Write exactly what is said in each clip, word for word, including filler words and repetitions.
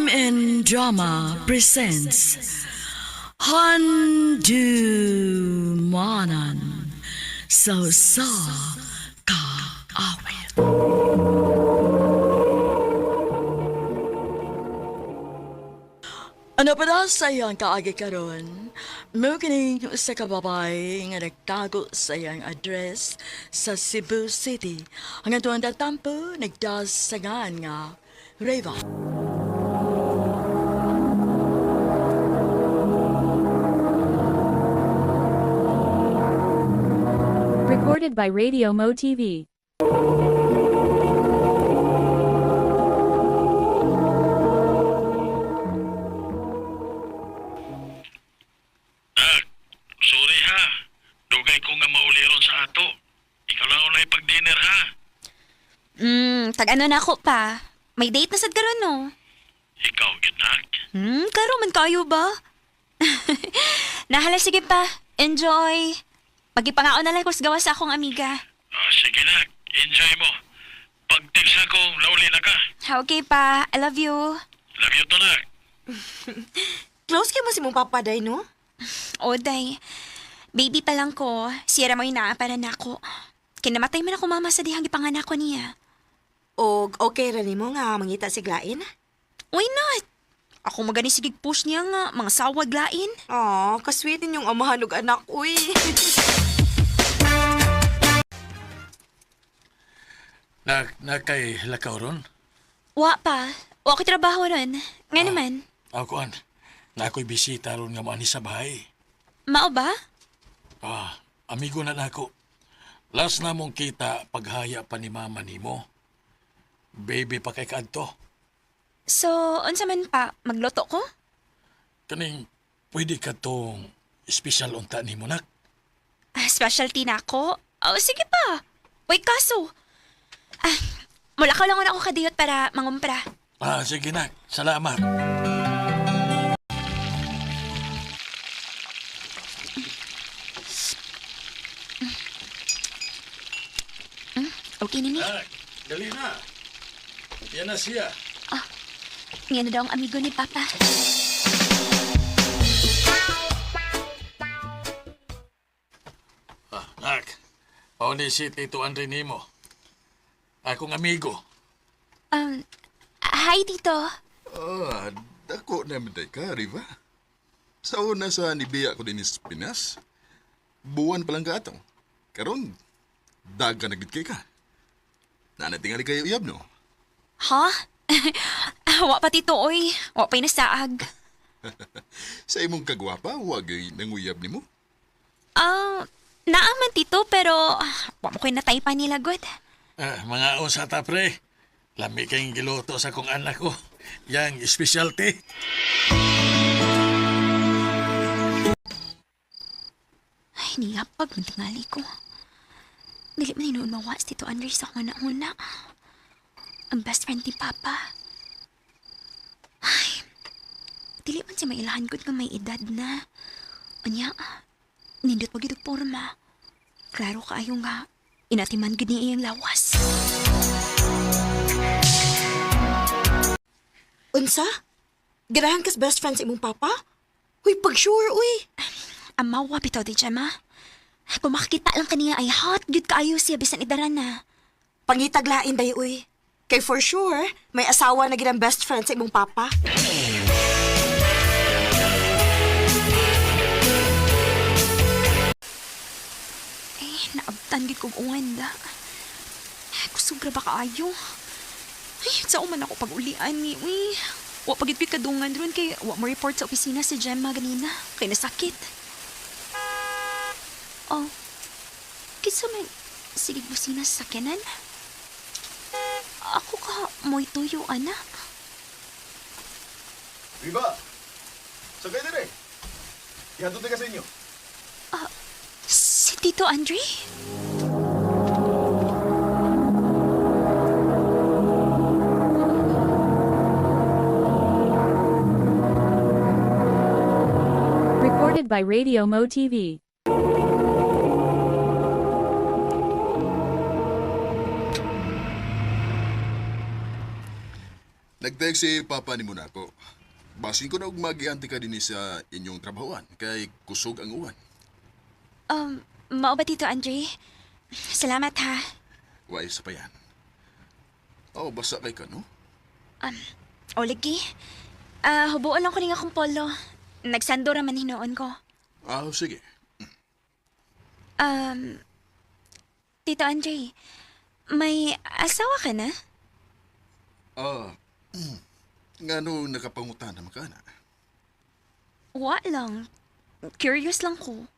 and Drama presents Handu Manan So Sa Ka Awit. Ano pa daw sa iyang kaagi karon? Mo kini sa kababay nga nagtago sa iyang address sa Cebu City. Hanggang tuwang tatampo, nagdasangan nga Reva. Recorded by Radio Mo T V. Sorry ha. Dugay ko nga mauliron sa ato. Ikaw lang ulay pag-dinner ha. Hmm, tag-ano na ako pa. May date na sad karon no. Ikaw, ginak. Hmm, karo man kayo ba? Nahala, sige pa. Enjoy. Pagipangao na lang ko sa gawa sa akong amiga. Ah, sige na. Enjoy mo. Pag-text ako, lauli na ka. Ha, okay pa. I love you. Love you to na. Close kayo mo si mong papaday, no? Oday. Baby pa lang ko. Siyara mo inaaparan ako. Kinamatay man ako mama sa dihang ipanganak ko niya. O okay ra nimo nga mangita si Glain? Why not? Ako magani sigig push niya nga, mga sawag lain. Aw, kasweet yung amahan ug anak, uy. Na, na kay lakaw ron? Wa pa. Wa ko trabaho ron. Nga Ah. naman. Ako an. Na ako'y bisita ron nga maani sa bahay. Mao ba? Ah, amigo na nako. Last na mong kita paghaya pa ni mama nimo. Baby pa kay kadto. So, unsa man pa, magloto ko? Kaning pwede ka tong special unta nimo nak. Ah, specialty na ako? Oh, sige pa. Wait, kaso. Ah, mula ka lang ako kadiyot para mangumpra. Ah, sige nak. Salamat. Okay na ni. Nak, dali na. Yan na siya. Ngayon na daw ang amigo ni Papa. Ah, nak. Pauni si Tito Andre nimo. Akong amigo. Um, hi, Tito. Ah, dako naman day ka, Riva. Sa una sa nibiya ko din sa Pinas, buwan palang ka atong. Karon, daga nagit kay ka. Nanatingali kayo iyab, no? Ha? Wa pa, Tito, oy. Wa pa'y nasaag. Sa imong kagwapa, wagay nanguyab ni mo. Ah, naaman, Tito, pero wa mo ko'y natay pa nila, God. Ah, mga usata pre. Lami kayong giluto sa kong anak ko. Yang specialty. Ay, niyapag, mantingali ko. Dili man inuun mawas, Tito Andre, sa akong una-una. Ang best friend ni Papa. Ay, dili man siya mailahan ko nga may edad na. Anya, nindot pag itong porma. Klaro kaayo nga, inatiman gud niya iyang lawas. Unsa? Ganahan kas best friend sa imong papa? Uy, pag sure, uy. Amawa bitaw di siya, ma. Kung makakita lang kaniya ay hot, good kaayo siya, bisan idaran na. Pangitaglain day, uy. Kay for sure, may asawa na ginang best friend sa imong papa. Eh, naabtan gid kong unganda. Kusubra ba kaayo? Ay, sa man ako pag-ulian ni, uy. Wa pagitpit kadungan ron kay wa mo report sa opisina si Gemma ganina. Kay nasakit. Oh, kisa man, sige busina sa sakyanan. Ako ka, mo'y tuyo, anak. Riva! Sagay na rin. Ihatod na ka sa inyo. Si Tito Andre? Recorded by Radio Mo T V. Nag-text si Papa ni mo na ako. Basin ko na og mag-ianti ka din sa inyong trabahoan kay kusog ang uwan. Um, mao ba Tito Andre? Salamat ha. Wa isa pa yan. Oh, basa kay ka, no? O lagi. Ah, hubuon lang ko ning akong polo. Nagsando ra man hinoon ko. Ah, sige. Um, Tito Andre, may asawa ka na? Ah, nga no nakapangutan naman ka na. Wa lang. Curious lang ko.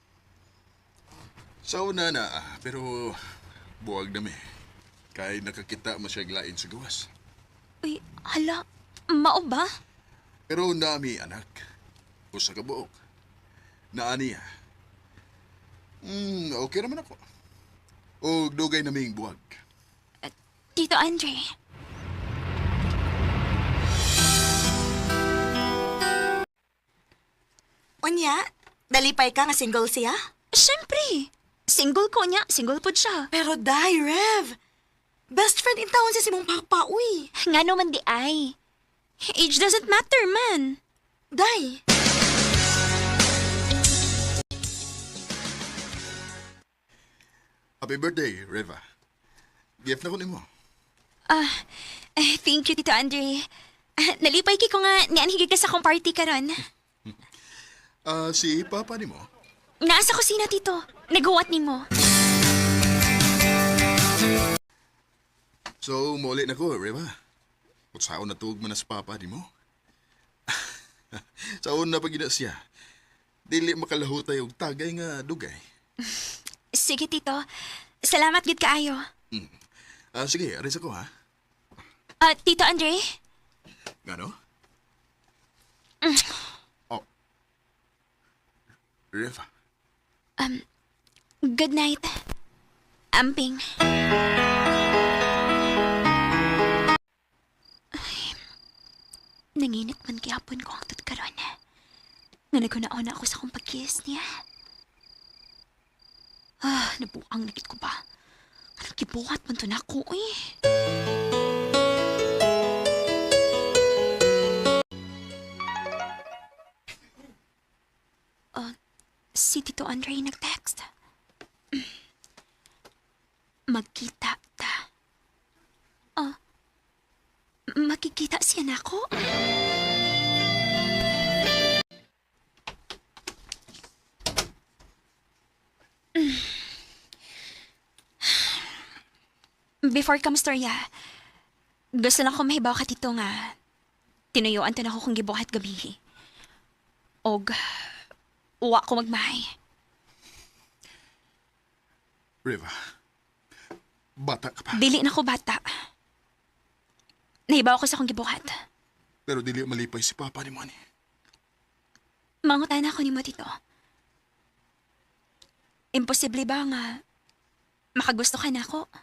Sa una na, ah, pero buwag na mi. Kay nakakita mo siya glain sa gawas. Uy, hala. Mao ba? Pero nami anak. Usa ka buok. Naani ah. Hmm, okay naman ako. O dugay naming buwag. Tito Andre. Unya, dalipay ka nga single siya? Siyempre. Single ko niya. Single po siya. Pero day, Rev. Best friend in town si Simong Papa, uy. Nga naman di ay. Age doesn't matter, man. Day. Happy birthday, Reva. Gift na ko nimo. Ah, eh, thank you, Tito Andre. Ah, nalipay ki ko nga nianhigig ka sa akong party karon. Ah, si Papa nimo. Nasa kusina, Tito. Nagawa ni mo. So, muli na ko, Reva. Kutsaon na tuog mo na sa Papa nimo. Saon na pag siya. Dili makalahutay og tagay nga dugay. Sige, Tito. Salamat gid kaayo. Ah, sige, aris ako ha. Ah, Tito Andre? Ngano? Oh. Reva. Good night. Amping. Ay, nanginit man kihapon ko ang tutkaron. Nga nagkunaon ako sa kong pag-kiss niya. Ah, nabuang nagit ko ba? Anong kibuhat man to na ako, eh? Ah, si Tito Andre nag-text. Magkita ta. Ah, makikita siya na ako? Before ka mastorya, gusto lang ko mahibaw ka tito nga tinuyuan to na ako kung gibuhat gabi. Og, uwa ko magmahay. Reva. Bata ka pa. Dili na ko bata. Nahibaw ko sa kong gibuhat. Pero dili malipay si Papa ni mo ni. Mangutan ako ni mo tito. Imposible ba nga makagusto ka na ako?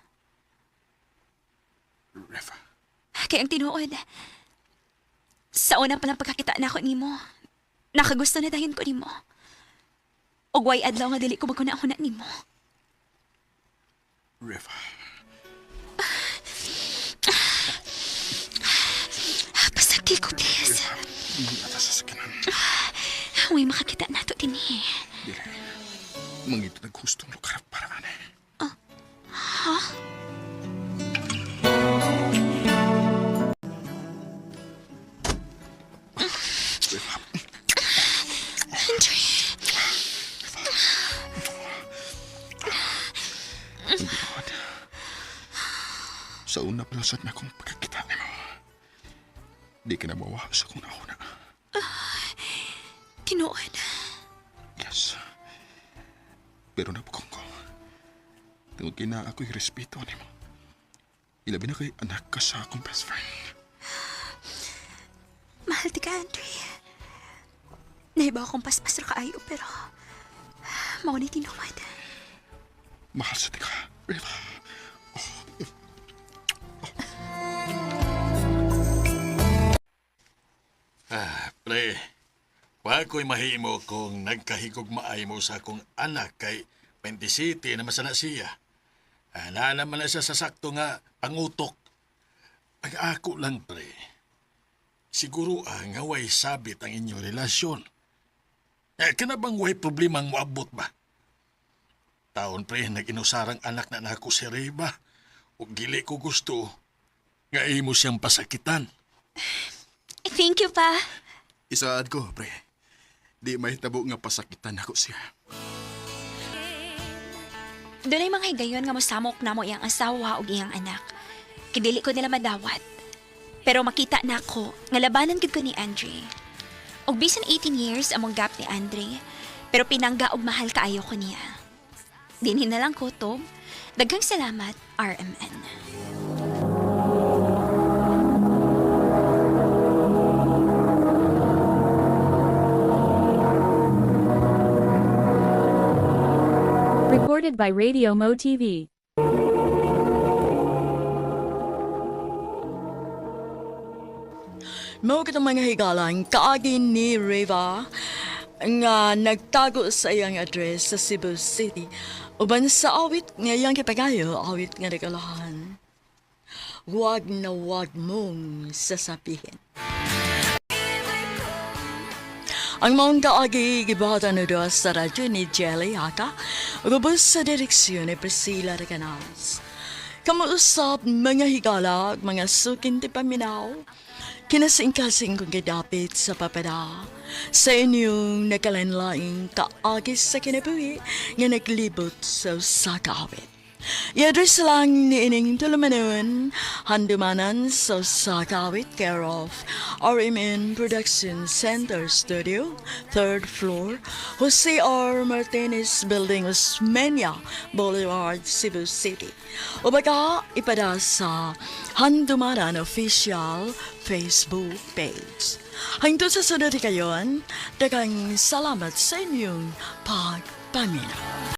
Reva. Kaya ang tinuod, sa una palang pagkakita na ako ni mo, nakagusto na dayon ko ni mo. Og way adlaw nga dili ko magkuna-una ni mo. Reva. Pasagdi ko, please. Hindi ata sa sakinan. Way makakita na to din eh. Dili. Mangito naghustong lugar para ane. Reva. Andre. Lord. Sa una palasad na akong pagkakita ni mo. Di ka na mawa sa kung nauna. Tinuod. Yes. Pero napukong ko. Tungod kina ako'y respeto ni mo. Ilabi na kay anak ka sa akong best friend. Mahal ti ka, Andre. Nahibaw akong paspas ra kaayo, pero mao ni tinuod. Mahal sa tika, Reva. Ah, pre. Wa ko'y mahimo kung nagkahigog maay mo sa akong anak kay Penti City na masana siya. Ah, naa naman na siya sa sakto nga pangutok. Ang ako lang, pre. Siguro ang ngaway sabit ang inyong relasyon. Eh, kana bang way problema ang moabot ba? Taon, pre, nag-inusarang anak na nako si Reba. O gili ko gusto, nga imo siyang pasakitan. Thank you, pa. Isaad ko, pre. Di may tabo nga pasakitan ako siya. Doon ay mga higayon nga mosamok na mo iyang asawa o iyang anak. Kidili ko nila madawat. Pero makita na ako nga labanan gid ko ni Andre. Og bisan eighteen years among gap ni Andre, pero pinangga og mahal kaayo ko niya. Dinhin na lang ko, Tom. Daghang salamat, R M N. Recorded by Radio Mo T V. Mao kitang mga higalang kaagin ni Reva nga nagtago sa iyang address sa Cebu City uban sa awit nga iyang kipagayo, awit nga regalahan. Huwag na huwag mong sasabihin. Ang mga kaagi gibahatan na sa radyo ni Jelly Haka ubos sa direksyon ni Priscilla Reganas. Kamuusap mga higala, mga sukin ti paminaw, kinasing-kasing kong kadapit sa papada sa inyong nakalanlaing kaagis sa kinabuhi nga naglibot sa sakawit. I-address lang ni ining tulumanon handumanan sa sakawit care of R M N Production Center Studio, third floor, Jose R. Martinez Building, Osmeña Boulevard, Cebu City. O baka ipada sa Handumanan Official Facebook page. Hangtod sa sunod kayon, dagang salamat sa inyong pagpamina.